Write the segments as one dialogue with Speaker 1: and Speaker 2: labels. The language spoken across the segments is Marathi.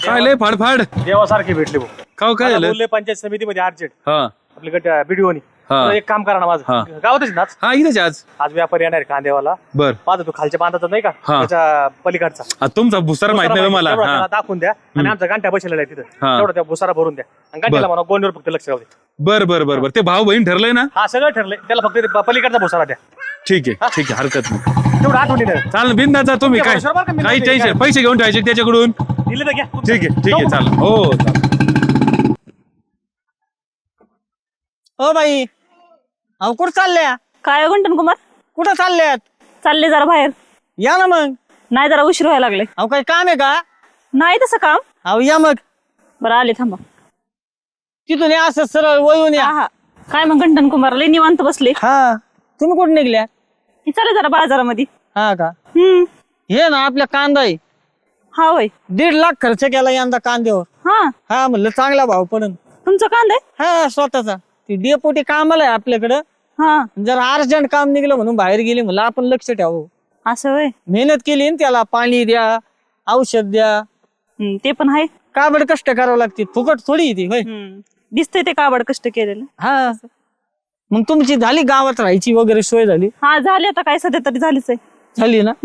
Speaker 1: काय लय फाडफाड
Speaker 2: देवासारखे भेटले भाऊ.
Speaker 1: काय काय
Speaker 2: मला
Speaker 1: झालं
Speaker 2: बोलले पंचायत समितीमध्ये अर्जंट
Speaker 1: हा
Speaker 2: आपल्या गट बीडीओनी
Speaker 1: हा.
Speaker 2: एक काम करा ना
Speaker 1: हा.
Speaker 2: माझं गावातच ना आज.
Speaker 1: हा इथेच आज
Speaker 2: आज व्यापारी येणार आहे कांदेवाला
Speaker 1: बर
Speaker 2: माझा तो खालच्या बांधाचा नाही का
Speaker 1: हा.
Speaker 2: त्याच्या पलीकडचा
Speaker 1: आ, तुमचा भुसार माहित नाही मला
Speaker 2: तेवढा
Speaker 1: हा
Speaker 2: त्याला दाखवून द्या आणि आमचा गांठ्या बसलेला आहे तिथं
Speaker 1: हा.
Speaker 2: तेवढा त्या भुसारा भरून द्या आणि गांठ्याला म्हणा गोंडीवर फक्त लक्ष राहू दे.
Speaker 1: बर बर बर बर ते भाऊ बहीण ठरलंय ना
Speaker 2: हा सगळं ठरलंय त्याला फक्त ते पलीकडचा भुसारा द्या
Speaker 1: ठीक आहे हरकत नाही
Speaker 2: तेवढं आठवणी
Speaker 1: चाल बिंदाचा तुम्ही काय
Speaker 2: बरोबर का? मी
Speaker 1: काही
Speaker 2: नाही
Speaker 1: टेन्शन पैसे घेऊन ठेवायचे त्याच्याकडून
Speaker 2: दिले तर घ्या
Speaker 1: ठीक आहे चाल हो चाल
Speaker 3: हो बाई अहो कुठं चालल्या
Speaker 4: काय गंटन कुमार
Speaker 3: कुठं चालल्यात
Speaker 4: चालले जरा बाहेर
Speaker 3: या ना मग
Speaker 4: नाही जरा उशीर व्हायला लागले
Speaker 3: अहो काही काम आहे का
Speaker 4: नाही तसं काम
Speaker 3: अहो या मग
Speaker 4: बरं आले थांबा
Speaker 3: तिथून या असं सरळ वळून या
Speaker 4: हा हा काय मग गंटन कुमार लय निवांत बसले
Speaker 3: हा तुम्ही कुठं निघल्या
Speaker 4: की चाले जरा बाजारामध्ये
Speaker 3: हा का हे ना आपल्या कांदा आहे
Speaker 4: हा होय
Speaker 3: 1.5 लाख खर्च केला यंदा कांद्यावर
Speaker 4: हा
Speaker 3: हा म्हणलं चांगला भाव पडन
Speaker 4: तुमचं कांदा आहे
Speaker 3: हा स्वतःचा ती डेपोटी कामाला आहे आपल्याकडं
Speaker 4: हा
Speaker 3: जरा अर्जंट काम निघलं म्हणून बाहेर गेली म्हणलं आपण लक्ष ठेवू
Speaker 4: असं होय
Speaker 3: मेहनत केली ना त्याला पाणी द्या औषध द्या
Speaker 4: ते पण आहे
Speaker 3: काबड कष्ट करावं लागते फुकट थोडी ती होय
Speaker 4: दिसतंय ते काबड कष्ट केलेलं
Speaker 3: हा मग तुमची झाली गावात राहायची वगैरे सोय झाली
Speaker 4: हा झाले आता काय सध्या तरी झालीच आहे
Speaker 3: झाली ना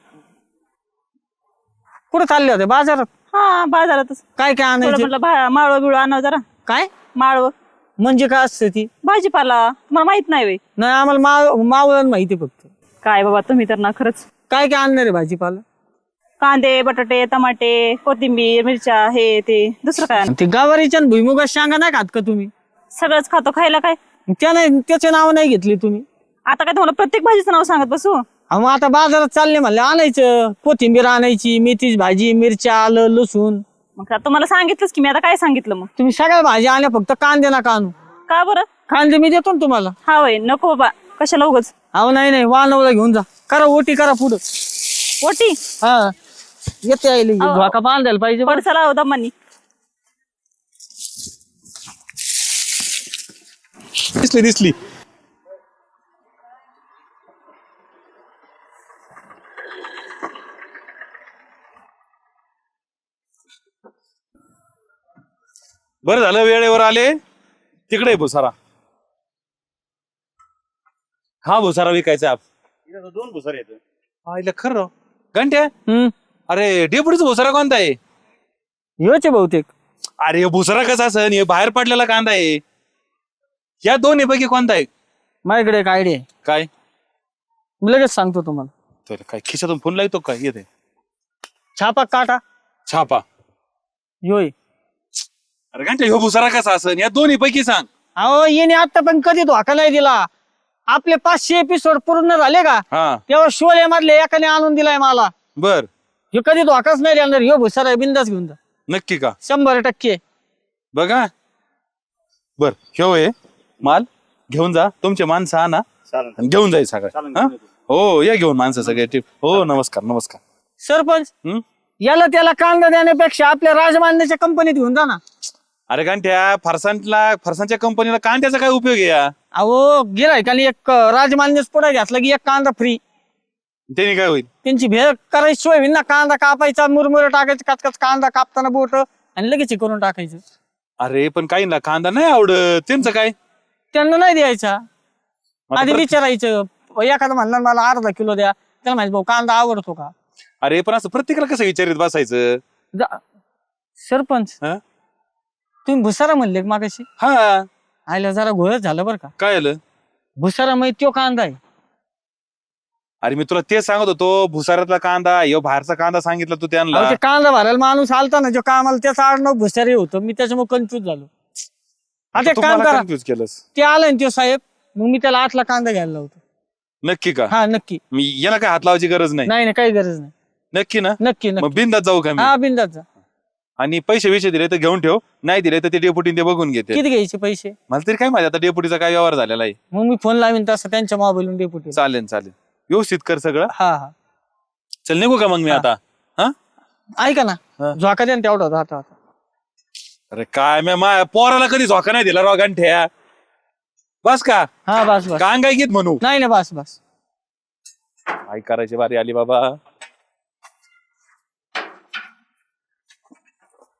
Speaker 3: कुठं चालले होते बाजारात
Speaker 4: हा बाजारातच
Speaker 3: काय काय
Speaker 4: थोडं
Speaker 3: आणायचं
Speaker 4: म्हटलं माळव बिळव आणावं जरा
Speaker 3: काय
Speaker 4: माळव
Speaker 3: म्हणजे काय असतं ती
Speaker 4: भाजीपाला तुम्हाला माहित नाही वे
Speaker 3: नाही आम्हाला मावळण माहिती फक्त
Speaker 4: काय बाबा तुम्ही तर ना खरंच
Speaker 3: काय काय आणणार आहे भाजीपाला
Speaker 4: कांदे बटाटे टमाटे कोथिंबीर मिरच्या हे ते दुसरं काय
Speaker 3: ते गावारीच्या आणि भुईमुगा शेंगा नाही खात का तुम्ही
Speaker 4: सगळंच खातो खायला काय
Speaker 3: त्या नाही त्याचे नाव नाही घेतले तुम्ही
Speaker 4: आता काय तुम्हाला प्रत्येक भाजीचं नाव सांगत बसू
Speaker 3: अहो मग आता बाजारात चालले म्हणले आणायचं कोथिंबीर आणायची मेथीची भाजी मिरच्या आलं लसूण
Speaker 4: मग आता तुम्हाला सांगितलंच की मी आता काय सांगितलं मग
Speaker 3: तुम्ही सगळ्या भाज्या आणल्या फक्त कांदे नका आणू
Speaker 4: का बरं
Speaker 3: कांदे मी देतो ना तुम्हाला
Speaker 4: हा होय नको बाबा कशाला उगच
Speaker 3: अहो नाही वानवला घेऊन जा करा ओटी करा पुढं
Speaker 4: ओटी
Speaker 3: हा येते आईले धोका बांधायला पाहिजे बरं.
Speaker 4: पडसाला हो दमानी
Speaker 1: दिसली बरं झालं वेळेवर आले तिकडे भुसारा हा भुसारा विकायचा
Speaker 2: दोन भुसारे येत
Speaker 1: आईला खरं घंट्या
Speaker 3: हम्म
Speaker 1: अरे डेपुटीचा भुसारा कोणता आहे
Speaker 3: योचे बहुतेक
Speaker 1: अरे हे भुसारा कसा असन हे बाहेर पडलेला कांदा आहे या दोन्ही पैकी कोणता आहे
Speaker 3: माझ्याकडे एक आयडिया आहे
Speaker 1: काय
Speaker 3: लगेच सांगतो तुम्हाला
Speaker 1: तर काय खिशातून फोन लावतो काय येते
Speaker 3: छापा काटा
Speaker 1: छापा
Speaker 3: योय
Speaker 1: अरे घंटा ह्यो भुसारा कसा असन या दोन्ही पैकी सांग
Speaker 3: अहो येणे आता पण कधी धोका नाही दिला आपले 500 एपिसोड पूर्ण झाले का
Speaker 1: हा
Speaker 3: तेव्हा शोले मधले एकाने आणून दिलाय मला
Speaker 1: बर
Speaker 3: ह्यो कधी धोकाच नाही देणार ह्यो भुसारा बिंदास घेऊन जा
Speaker 1: नक्की का
Speaker 3: 100%
Speaker 1: बघा बर ह्यो आहे माल घेऊन जा तुमचे माणसं आणा आणि घेऊन जाईल सगळं हा? हो या घेऊन माणसं सगळे हो नमस्कार नमस्कार
Speaker 3: सरपंच
Speaker 1: हम्म
Speaker 3: याला त्याला कांदा देण्यापेक्षा आपल्या राजमान्याच्या कंपनीत घेऊन जा ना
Speaker 1: अरे घंट्या फरसांच्या कंपनीला कांद्याचा काय उपयोग आहे या
Speaker 3: अहो गेलाय का एक राजमान्यच पुढे घातला की एक कांदा फ्री
Speaker 1: त्याने काय होईल
Speaker 3: त्यांची भेळ करायची सोय होईल ना कांदा कापायचा मुरमुरे टाकायचं कचकच कांदा कापताना बोट आणि लगेच हे करून टाकायचं
Speaker 1: अरे पण काही ना कांदा नाही आवडत त्यांचं काय
Speaker 3: त्यांना नाही द्यायचा
Speaker 1: आता
Speaker 3: आधी
Speaker 1: परत-
Speaker 3: विचारायचं एखादं म्हणणार मला अर्धा किलो द्या त्याला माहिती भाऊ कांदा आवडतो का
Speaker 1: अरे पण असं प्रत्येकाला कसं विचारित बसायचं
Speaker 3: सरपंच
Speaker 1: हा?
Speaker 3: तुम्ही भुसारा म्हणले का मागाशी
Speaker 1: हा
Speaker 3: आयला जरा घोळच झालं बरं का
Speaker 1: काय आलं
Speaker 3: भुसारा माहिती तो कांदा आहे
Speaker 1: अरे मी तुला तेच सांगत होतो भुसाऱ्यातला कांदा ह्यो बाहेरचा कांदा सांगितलं तू त्यांना
Speaker 3: अहो, ते कांदा भरायला माणूस आलता ना जो कामाला त्याचा आडनाव भुसारी होतं मी त्याच्यामुळे कन्फ्युज झालो आता एक काम करा
Speaker 1: कन्फ्युज केलंस
Speaker 3: ते आलं ना तो साहेब मग मी त्याला 8 ला कांदा घ्यायला लावतो
Speaker 1: नक्की का
Speaker 3: हा नक्की
Speaker 1: मी याला काय हात लावायची गरज नाही
Speaker 3: नाही काही गरज नाही
Speaker 1: नक्की ना
Speaker 3: नक्की
Speaker 1: मग
Speaker 3: नक्की
Speaker 1: बिंदात जाऊ का मी
Speaker 3: हा बिंदात जा
Speaker 1: आणि पैसे दिले तर घेऊन ठेव नाही दिले तर ते डेपुटी ते बघून घेते
Speaker 3: किती घ्यायचे पैसे
Speaker 1: मला तरी काय माहिती आता डेपुटीचा काय व्यवहार झालेला आहे
Speaker 3: मग मी फोन लावीन तसं त्यांच्या मोबाईलवरून डेपुटी
Speaker 1: चालेल चालेल व्यवस्थित कर सगळं
Speaker 3: हा हा
Speaker 1: चल निघू का मग मी आता हा
Speaker 3: ऐका ना
Speaker 1: हा.
Speaker 3: झोका द्या ना तेवढा आता
Speaker 1: अरे काय मी पोराला कधी झोका नाही दिला राव गांठ्या बस का
Speaker 3: हा बस बस
Speaker 1: कांग काय घेत म्हणू
Speaker 3: नाही ना बस बस
Speaker 1: काय करायची बारी आली बाबा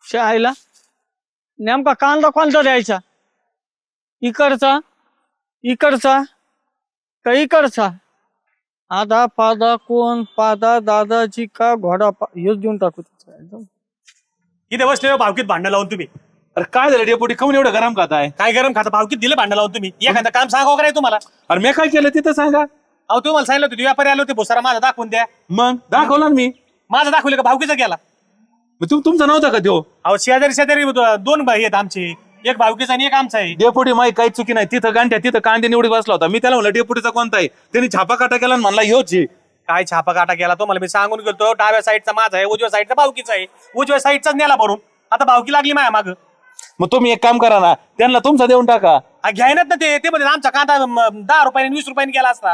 Speaker 3: शाळेला नेमका कांदा कोणता द्यायचा? इकडचा इकडचा का इकडचा? आधा पादा कोण पादा दादाजी का घोडा हेच देऊन टाकू.
Speaker 2: इथे बसले भावकीत भांडण लावून तुम्ही.
Speaker 1: अरे काय झालं डेपुटी, काऊन एवढं गरम खाताय?
Speaker 2: काय गरम खाता भावकीत दिले भांडण लावून तुम्ही. एखादं काम सांगावं काय तुम्हाला?
Speaker 1: अरे मी काय केलं तिथं सांगा.
Speaker 2: अहो तुम्हाला सांगितलं होतं व्यापारी आले होते भुसारा माझा दाखवून द्या.
Speaker 1: मग दाखवला ना मी.
Speaker 2: माझा दाखवलं का भावकीचा गेला?
Speaker 1: मग तुमचा नव्हता का त्यो?
Speaker 2: अहो शेजारी शेजारी दोन भाई आहेत आमचे, एक भावकीचा आणि एक आमचा आहे.
Speaker 1: डेपुटी माही काही चुकी नाही. तिथं गांठ्या तिथं कांदे निवडी बसला होता. मी त्याला म्हणलं डेपुटीचा कोणता आहे? त्यांनी छापा काटा केला आणि म्हणला ह्योच आहे.
Speaker 2: काय छापा काटा गेला तो मला मी सांगून गेलो. डाव्या साईडचा माझा आहे, उजव्या साईडचा भावकीचा आहे. उजव्या साईडचाच नेला भरून. आता भावकी लागली माया माग.
Speaker 1: मग तुम्ही एक काम करा ना, त्यांना तुमचा देऊन टाका.
Speaker 2: घ्यायनात ना ते म्हणजे आमचा कांदा 10 रुपयाने 20 रुपयाने गेला असता.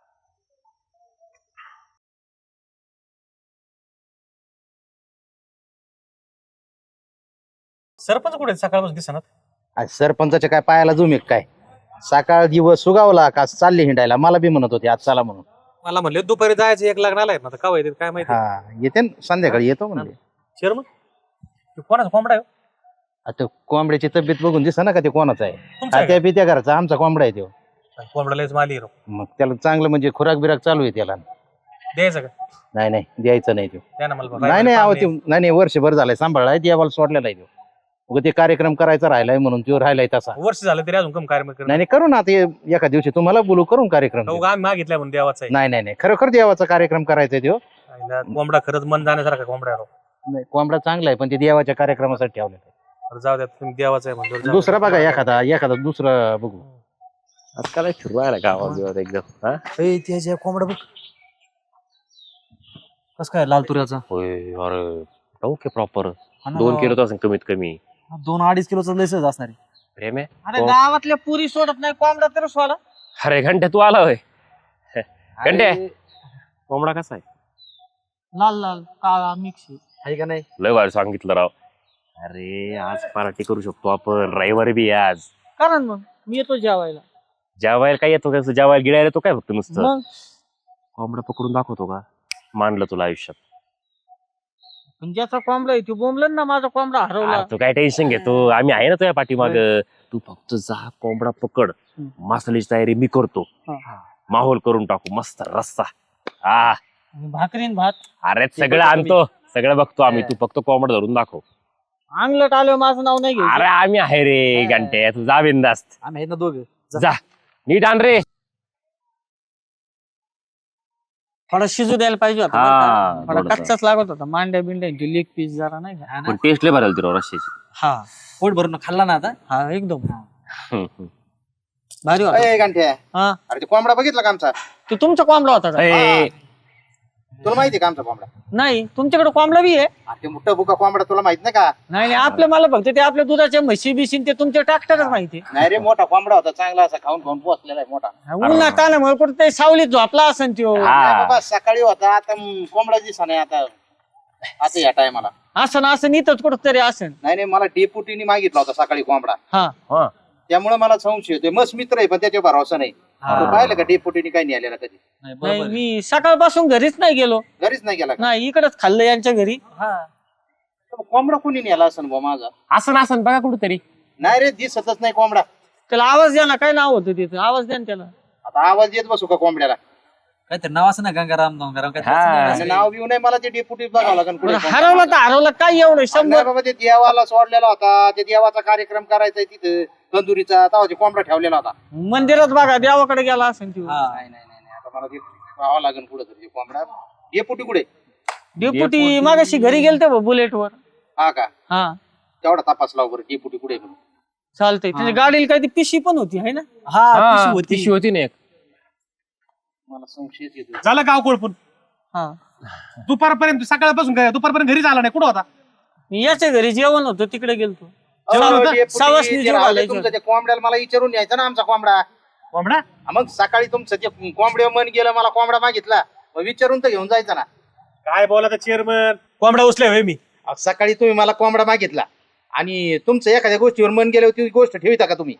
Speaker 2: सरपंच कुठे सकाळपासून दिसणार?
Speaker 5: आज सरपंचाच्या काय पायाला जुमेक काय? सकाळ दिवस सुगावला का चालले हिंडायला? मला बी म्हणत होते आज चला म्हणून.
Speaker 2: मला म्हणले दुपारी जायचं, एक लग्नाला आहेत ना, का येते काय माहिती.
Speaker 5: हा येते ना, संध्याकाळी येतो म्हणजे.
Speaker 2: चेअरमन कोणाचा कोंबडा आहे?
Speaker 5: आता कोंबड्याची तब्येत बघून दिसा ना का ते कोणाचा आहे.
Speaker 2: तुमचा आहे
Speaker 5: त्या पित्या घरचा आमचा कोंबडा आहे तो.
Speaker 2: कोंबडा लयच माली राव.
Speaker 5: मग त्याला चांगलं म्हणजे खुराक बिराक चालू आहे त्याला.
Speaker 2: द्यायचं का?
Speaker 5: नाही नाही द्यायचं नाही तो.
Speaker 2: द्या ना मला बघा.
Speaker 5: नाही नाही अहो ते नाही वर्षभर झालंय सांभाळलाय देवाला सोडलेला आहे तो. मग ते कार्यक्रम करायचा राहिलाय म्हणून तो राहिलाय तसा.
Speaker 2: वर्ष झालं तरी अजून कम कार्यक्रम
Speaker 5: नाही नाही करू ना ते एका दिवशी तुम्हाला बोलू करून कार्यक्रम.
Speaker 2: आम्ही मागितल्या म्हणून देवाचा
Speaker 5: नाही नाही नाही खरोखर देवाचा कार्यक्रम करायचा तो.
Speaker 2: आहे. कोंबडा खरंच मन जाण्यासारखा कोंबडा आहे राव.
Speaker 5: नाही कोंबडा चांगला आहे पण ते देवाच्या कार्यक्रमासाठी ठेवलेला आहे.
Speaker 2: बरं, जाऊ द्या तुम्ही देवाचा आहे म्हणतो.
Speaker 5: दुसरा बघा एखादा दुसरा बघू.
Speaker 6: काय फिरवायला गावात एकदम
Speaker 7: त्याच्या कोंबडा बघ कस काय लाल तुऱ्याचा.
Speaker 6: होय अरे ओके प्रॉपर 2 किलो असेल कमीत कमी.
Speaker 7: 2-2.5 किलोचा लयच असणार आहे.
Speaker 6: प्रेम आहे.
Speaker 3: अरे गावातल्या पुरी सोडत नाही, कोंबडा तर सोडा.
Speaker 6: अरे घंट्या तू आला होय. घंट्या कोंबडा कसा आहे?
Speaker 3: लाल लाल काळा मिक्स.
Speaker 7: आहे का नाही?
Speaker 6: लय भारी सांगितलं राव. अरे आज पार्टी करू शकतो आपण, रविवारी बी आज.
Speaker 3: कारण मग मी येतो जेवायला.
Speaker 6: जेवायला काय येतो? कसं जेवायला गिळायला तो काय फक्त नुसतं
Speaker 3: मग
Speaker 6: कोंबडा पकडून दाखवतो का? मानलं तुला आयुष्यात.
Speaker 3: पण ज्याचा कोंबडा आहे तो बोंबलन ना, माझा कोंबडा हरवला.
Speaker 6: तू काय टेन्शन घेतो? आम्ही आहे ना तुझ्या पाठीमाग. तू फक्त जा कोंबडा पकड. मसाल्याची तयारी मी करतो. माहोल करून टाकू मस्त रस्सा.
Speaker 3: भाकरीन भात.
Speaker 6: अरे सगळं आणतो, सगळं बघतो आम्ही. तू फक्त कोंबडा धरून दाखव.
Speaker 3: अंगलट आलो माझं नाव नाही घ्यायचं.
Speaker 6: अरे आम्ही आहे रे घंटे, तू जा बिंदास्त.
Speaker 7: आम्ही आहेत ना दोघे.
Speaker 6: जा नीट आण रे.
Speaker 3: थोडा शिजू द्यायला पाहिजे होता
Speaker 6: हा,
Speaker 3: बरं का? थोडा
Speaker 6: थोडासा.
Speaker 3: कच्चाच लागत होता. मांड्या बिंड्यांची लेग पीस जरा नाही का.
Speaker 6: पण टेस्ट लय भरायला तुला रश्श्याची.
Speaker 3: हा
Speaker 7: पोट भरून खाल्ला ना आता.
Speaker 3: हा एकदम
Speaker 6: हम्म, हम्म.
Speaker 3: भारी होता.
Speaker 5: अरे गांठ्या
Speaker 3: हा
Speaker 5: अरे ते कोंबडा बघितला का आमचा?
Speaker 3: तो तुमचा कोंबडा होता का?
Speaker 6: ए,
Speaker 5: तुला माहिती का आमचा कोंबडा?
Speaker 3: नाही तुमच्याकडे कोंबडा बी आहे?
Speaker 5: अरे ते मोठा बुका कोंबडा तुला माहित नाही का?
Speaker 3: नाही नाही आपल्या मला फक्त ते आपल्या दुधाच्या म्हशी बिशीन ते तुमच्या ट्रॅक्टरच माहिती.
Speaker 5: नाही रे मोठा कोंबडा होता चांगला असा खाऊन खाऊन पोचलेला आहे मोठा.
Speaker 3: उन्हात आल्यामुळे कुठं ते सावलीत झोपला असेल त्यो.
Speaker 6: हा.
Speaker 5: नाही बाबा सकाळी होता आता कोंबडा दिसा नाही आता या टायमाला.
Speaker 3: असं ना असं इथंच कुठं तरी असेल.
Speaker 5: नाही नाही मला डेपुटीने मागितला होता सकाळी कोंबडा.
Speaker 3: हा
Speaker 6: हा.
Speaker 5: त्यामुळे मला संशय होते. मस्त मित्र आहे पण त्याच्यावर भरोसा नाही. तू पाहिलं का डेपुटीने काही नाही आलेला कधी?
Speaker 3: नाही मी सकाळपासून घरीच नाही गेलो.
Speaker 5: घरीच नाही गेला का?
Speaker 3: नाही इकडच खाल्लं यांच्या घरी.
Speaker 5: तर कोंबडा कोणी नेला असं बा माझा?
Speaker 6: असं नसन बघा कुठेतरी.
Speaker 5: नाही रे दिसतच नाही कोंबडा.
Speaker 3: त्याला आवाज द्या ना, काय नाव होतं तिथं, आवाज द्या ना त्याला.
Speaker 5: आता आवाज येत बसू का कोंबड्याला?
Speaker 7: काहीतरी नाव असं ना गंगाराम गंगाराम
Speaker 6: हा.
Speaker 5: असं नाव बिव नाही मला ते डेपुटी बघावं लागेल कुठे.
Speaker 3: बरं, हरवलं तर हरवलं काय एवढं
Speaker 5: नाही
Speaker 3: 100.
Speaker 5: बाबा ते देवाला सोडलेला होता. ते देवाचा कार्यक्रम करायचा तिथं तंदुरीचा तेव्हा ते कोंबडा ठेवलेला होता.
Speaker 3: मंदिरात बघा देवाकडे गेला असेल त्यो.
Speaker 5: नाही नाही नाही नाही. आता मला ते पाहावं लागेल कुठं तरी कोंबडा. डेपुटी कुठे?
Speaker 3: डेपुटी मागाशी घरी गेलते बुलेटवर.
Speaker 5: हा का?
Speaker 3: हा
Speaker 5: तेवढा तपास लाव बरं डेपुटी कुठे म्हणून.
Speaker 3: चालतंय. त्याच्या गाडीला काही ती पिशी पण होती आहे ना.
Speaker 7: हा
Speaker 6: हा,
Speaker 7: पिशवी होती.
Speaker 6: पिशवी होती ना एक.
Speaker 5: मला संशय येतो.
Speaker 2: झालं गाव कोळपून
Speaker 3: हा
Speaker 2: दुपारपर्यंत, सकाळपासून दुपारपर्यंत घरी झाला नाही. कुठं होता?
Speaker 3: मी याच्या घरी जेवण होतं तिकडे गेलतो.
Speaker 2: जेवण होतं?
Speaker 5: डेपुटी,
Speaker 3: सवासणी
Speaker 5: ते
Speaker 3: जेवण
Speaker 5: राहू दे
Speaker 3: घालायचं.
Speaker 5: तुमचं ते कोंबड्याला मला विचारून यायचं ना आमचा कोंबडा.
Speaker 2: कोंबडा
Speaker 5: मग सकाळी तुमचं ते कोंबड्या मन गेलं मला कोंबडा मागितला मग विचारून तर घेऊन जायचं ना.
Speaker 2: काय बोला चेअरमन? कोंबडा उचले होय मी.
Speaker 5: अहो, सकाळी तुम्ही मला कोंबडा मागितला आणि तुमचं एखाद्या गोष्टीवर मन गेलं ती गोष्ट ठेविता का तुम्ही?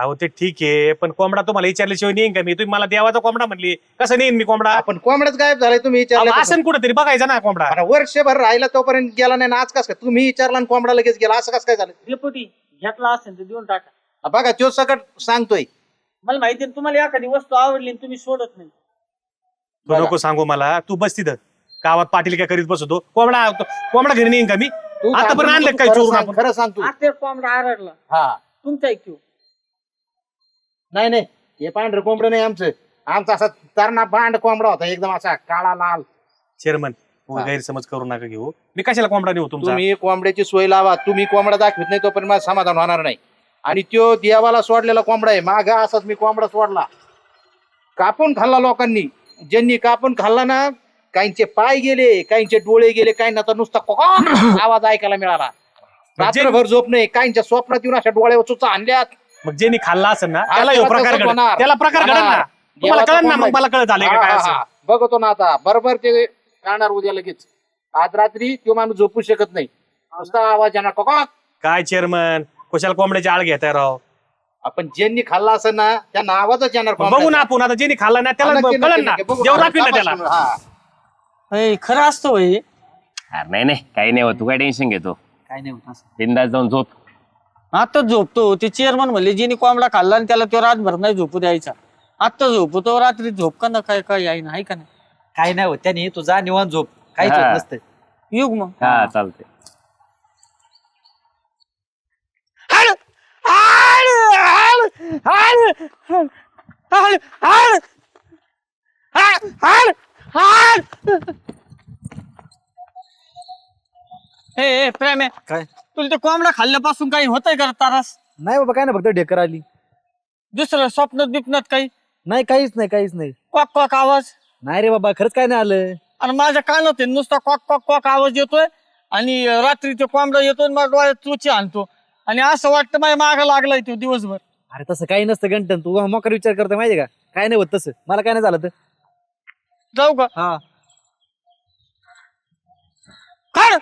Speaker 2: अहो ते ठीक आहे, पण कोंबडा तुम्हाला विचारल्याशिवाय नेईन का मी? तुम्ही मला देवाचा कोंबडा म्हणली, कसं नेईन मी कोंबडा?
Speaker 5: आपण कोंबड्याच गायब झालाय तुम्ही विचारलं
Speaker 2: असं कुठेतरी बघायचं ना कोंबडा.
Speaker 5: अरे वर्षभर राहिला तोपर्यंत गेला नाही ना, आज कस काय तुम्ही विचारला आणि कोंबडा लगेच गेला, असं कसं काय झालं?
Speaker 3: डेपुटी घेतला असेल तर देऊन टाका.
Speaker 5: बघा तो सकट सांगतोय.
Speaker 3: मला माहिती आहे तुम्हाला एखादी वस्तू आवडली आणि तुम्ही सोडत नाही.
Speaker 2: तू नको सांगू मला, तू बस तिथं गावात पाटील काय करीत बसतो. कोंबडा घरी नेईन का मी?
Speaker 5: तू
Speaker 2: आता पण आणलं काय
Speaker 5: खरं
Speaker 2: चोरून
Speaker 5: सांग,
Speaker 2: आपण?
Speaker 5: खरं सांग तू.
Speaker 3: आता कोंबडा आरडला
Speaker 5: हा
Speaker 3: तुमचा ऐकू.
Speaker 5: नाही नाही, हे पांढरं कोंबडं नाही आमचं. आमचा असा तरणा बांड कोंबडा होता, एकदम असा काळा लाल.
Speaker 2: चेअरमन गैरसमज करू नका घेऊ. मी कशाला कोंबडा नेऊ तुमचा?
Speaker 5: तुम्ही कोंबड्याची सोय लावा. तुम्ही कोंबडा दाखवित नाही तोपर्यंत मला समाधान होणार नाही. आणि तो देवाला सोडलेला कोंबडा आहे. मागा असाच मी कोंबडा सोडला, कापून खाल्ला लोकांनी. ज्यांनी कापून खाल्ला ना, काहींचे पाय गेले, काहींचे डोळे गेले, काहींना तर नुसता आवाज ऐकायला मिळाला. रात्रभर झोप नाही, काहींच्या स्वप्नात येऊन अशा डोळ्यावर चुचा आणल्यात.
Speaker 2: मग ज्यांनी खाल्ला असेल ना
Speaker 5: हा,
Speaker 2: त्याला
Speaker 5: तेव्हा
Speaker 2: प्रकार
Speaker 5: तसंच
Speaker 2: घडेल.
Speaker 5: होणार.
Speaker 2: त्याला प्रकार घडेल ना.
Speaker 5: होणार.
Speaker 2: तुम्हाला
Speaker 5: देवाचा
Speaker 2: कळेल ना,
Speaker 5: कोंबडा
Speaker 2: मग मला कळत झालंय का काय असं.
Speaker 5: बघतो ना आता, बरोबर ते करणार उद्या लगेच. आज रात्री तो माणूस झोपू शकत नाही, नुसता आवाज येणार कोका.
Speaker 2: काय चेअरमन, कशाला कोंबड्याची आळ घेताय राव?
Speaker 5: आपण ज्यांनी खाल्ला असं ना, त्यांना आवाजच येणार.
Speaker 2: बघू ना आपण आता, ज्यांनी खाल्ला ना त्याला
Speaker 5: नक्की,
Speaker 2: कळलं
Speaker 5: नक्की,
Speaker 2: ना,
Speaker 5: नक्की. बघू.
Speaker 2: देव दाखवील ना त्याला.
Speaker 5: हा.
Speaker 3: खरं असतं होय.
Speaker 6: अरे नाही नाही, काही नाही होत, तू काय टेन्शन घेतो?
Speaker 7: काय नाही होत असं.
Speaker 6: बिंदास जाऊन झोप.
Speaker 3: आता झोपतो. ते चेअरमन म्हणले जिने कोंबडा खाल्ला आणि त्याला तो रातभर नाही झोपू द्यायचा. आता झोपतो, रात्री झोप का ना काय काय आहे ना, आहे का नाही?
Speaker 7: काय नाही होत त्याने, तू जा निवांत झोप, काहीच
Speaker 6: हा.
Speaker 7: होत नसतं.
Speaker 3: युग मग.
Speaker 6: हा चालते.
Speaker 3: हे प्रेम आहे,
Speaker 7: काय
Speaker 3: तुला ते कोंबडा खाल्ल्यापासून काही होतंय का तारास?
Speaker 7: नाही बाबा, काय नाही, फक्त ढेकर आली.
Speaker 3: दुसरं स्वप्नात बिपनात काही
Speaker 7: नाही, काहीच नाही, काहीच नाही.
Speaker 3: क्वाक क्वाक आवाज?
Speaker 7: नाही रे बाबा, खरंच काय नाही आलं.
Speaker 3: आणि माझ्या कानात आहे नुसता क्वाक क्वाक क्वाक आवाज येतोय. आणि रात्री ते कोंबडा येतोय, मला डोळ्यात चुची आणतो. आणि असं वाटतं माझ्या मागं लागलाय तो दिवसभर.
Speaker 7: अरे तसं काही नसतं गंटन, तू मोकार विचार करतो माहितीये का? काय नाही होत तसं, मला काय नाही झालं तर.
Speaker 3: जाऊ का?
Speaker 7: हा
Speaker 3: काढ.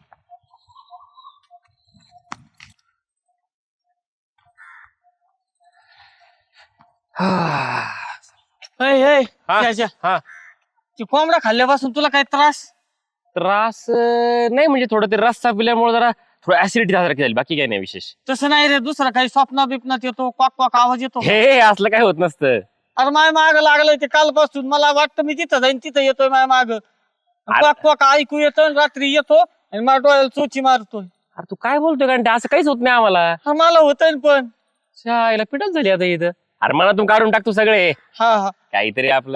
Speaker 6: हा.
Speaker 3: ती कोंबडा खाल्ल्यापासून तुला काय त्रास?
Speaker 6: त्रास नाही, म्हणजे थोडं ते रस्सा पिल्यामुळे जरा थोडं ऍसिडिटी सारखी झाली, बाकी काही नाही विशेष.
Speaker 3: तसं नाही रे, दुसरा काही स्वप्न बिपनात येतो, क्वाक क्वाक आवाज येतो.
Speaker 6: हे असलं काय होत नसतं.
Speaker 3: अरे माय माग लागलंय ते कालपासून. मला वाटतं मी तिथं जाईन, तिथं येतोय माय माग. क्वाक क्वाक ऐकू येतो, रात्री येतो आणि मला डोळ्याला चोची मारतोय.
Speaker 6: अरे तू काय बोलतोय कारण असं काहीच होत नाही आम्हाला.
Speaker 3: हा, मला होतंय पण.
Speaker 6: शाळेला पिटच झाली आता इथं. अरे मनातून काढून टाकतो सगळे,
Speaker 3: हा हा.
Speaker 6: काहीतरी आपलं.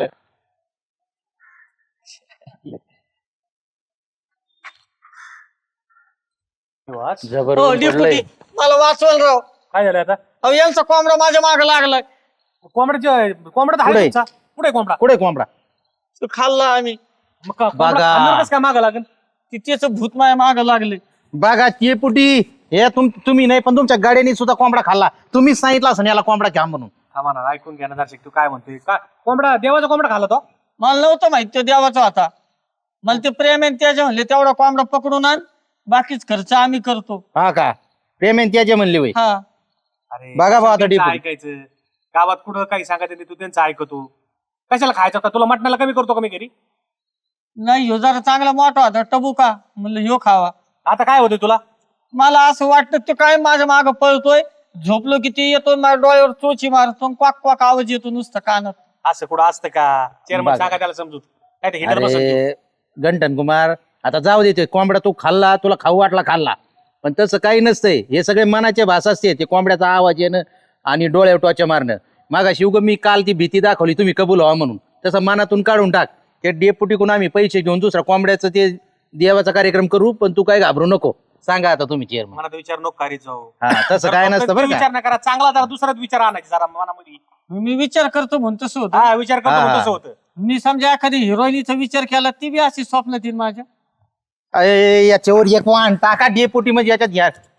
Speaker 5: जबर
Speaker 3: हो
Speaker 5: ऊन
Speaker 3: डेपुटी,
Speaker 5: पडलंय.
Speaker 3: मला वाचवल राव.
Speaker 2: काय झालं आता?
Speaker 3: अहो यांचा कोंबडा माझ्या माग लागलाय.
Speaker 2: कोंबडा
Speaker 5: पुढे.
Speaker 2: आहे तुमचा? कुठे कोंबडा?
Speaker 5: कुठे कोंबडा?
Speaker 3: तो खाल्ला आम्ही.
Speaker 2: मग कोंबडा
Speaker 5: बघा.
Speaker 2: खाल्ल्यावर कसं काय मागं लागेल?
Speaker 3: त्याच भूत माझ्या माग लागले.
Speaker 5: बघा ते पुटी, हे तुम्ही नाही पण तुमच्या गाड्याने सुद्धा कोंबडा खाल्ला. तुम्हीच सांगितलं असं याला कोंबडा घ्या म्हणून.
Speaker 2: थांबा ना, ऐकून घ्या ना दर्शक, तू काय म्हणतोय? काय कोंबडा, देवाचा कोंबडा खाल्ला तो?
Speaker 3: मला नव्हतं माहित तो देवाचा होता. मला ते प्रेम आहे त्याच्या म्हणले तेवढा कोंबडा पकडून आण, बाकीच खर्च आम्ही करतो.
Speaker 5: हा का? पेमेंट त्याचे म्हणले वय.
Speaker 3: हा.
Speaker 2: अरे
Speaker 5: बघा भाऊ आता
Speaker 2: त्यांचं
Speaker 5: डेपुटी.
Speaker 2: ऐकायचं. गावात कुठं काही सांगायचं तू त्यांचं ऐकतो. कशाला खायचं का? तुला मटणाला कमी करतो का मी घरी?
Speaker 3: नाही, ह्यो जरा चांगला मोठा होता टबुका, म्हणलं ह्यो खावा.
Speaker 2: आता काय होतंय तुला?
Speaker 3: मला असं वाटतं तो काय माझ्या माग पळतोय. झोपलो किती येतो, माझ्या डोळ्यावर चोची मारतो, क्वाक क्वाक आवाज येतो नुसतं कानात.
Speaker 2: असं कुठं असतं का? चेअरमन
Speaker 5: बघा.
Speaker 2: सांगा त्याला समजूत. काय ते हिटर बसत
Speaker 5: अरे गंटन कुमार, आता जाऊ देते. कोंबडा तू खाल्ला, तुला खाऊ वाटला खाल्ला, पण तसं काही नसतंय. हे सगळे मनाचे भास असते. ते कोंबड्याचा आवाज येणं आणि डोळ्यावर टोचा मारणं. मागाशी उगा मी काल ती भीती दाखवली तुम्ही कबूल व्हा म्हणून, तसं मनातून काढून टाक. ते डेपुटीकडून आम्ही पैसे घेऊन दुसरा कोंबड्याचं ते देवाचा कार्यक्रम करू, पण तू काय घाबरू नको. सांगा आता तुम्ही चेअरमन.
Speaker 2: मनात विचार नको करीत जाऊ.
Speaker 5: हा, तसं काय नसतं बरं का.
Speaker 2: विचार नका करा, चांगला जरा दुसराच विचार आणायचा जरा मनामध्ये.
Speaker 3: मी विचार करतो म्हणून तसं होतं.
Speaker 2: हा, विचार करतो
Speaker 5: हा.
Speaker 2: म्हणून तसं होतं.
Speaker 3: मी समजा एखादी हिरोईनीचा विचार केला, ती बी अशी स्वप्नात येईल माझ्या.
Speaker 5: अरे याच्यावर एक वाहन टाका डेपुटी, म्हणजे याच्यात घ्या